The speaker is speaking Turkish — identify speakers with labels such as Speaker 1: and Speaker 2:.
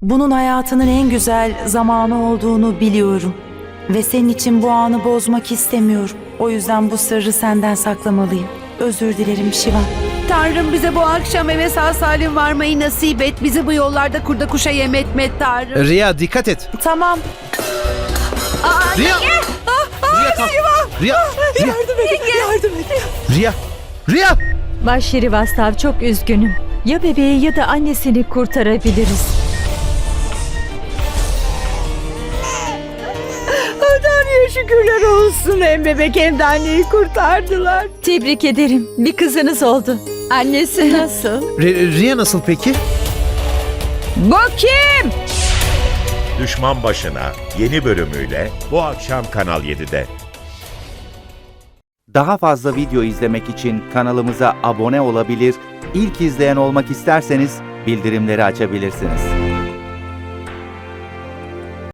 Speaker 1: Bunun hayatının en güzel zamanı olduğunu biliyorum. Ve senin için bu anı bozmak istemiyorum. O yüzden bu sırrı senden saklamalıyım. Özür dilerim Şivan.
Speaker 2: Tanrım bize bu akşam eve sağ salim varmayı nasip et. Bizi bu yollarda kurda kuşa yem etme Tanrım.
Speaker 3: Riya dikkat et.
Speaker 1: Tamam.
Speaker 3: Riya! Riya kalk. Riya!
Speaker 1: Yardım et.
Speaker 3: Riya! Riya!
Speaker 4: Bay Şirivastav, çok üzgünüm. Ya bebeği ya da annesini kurtarabiliriz.
Speaker 2: Tanrı'ya şükürler olsun. Hem bebek hem de anneyi kurtardılar.
Speaker 4: Tebrik ederim. Bir kızınız oldu. Annesi nasıl?
Speaker 3: Riya nasıl peki?
Speaker 2: Bu kim?
Speaker 5: Düşman Başına yeni bölümüyle bu akşam Kanal 7'de.
Speaker 6: Daha fazla video izlemek için kanalımıza abone olabilir, ilk izleyen olmak isterseniz bildirimleri açabilirsiniz.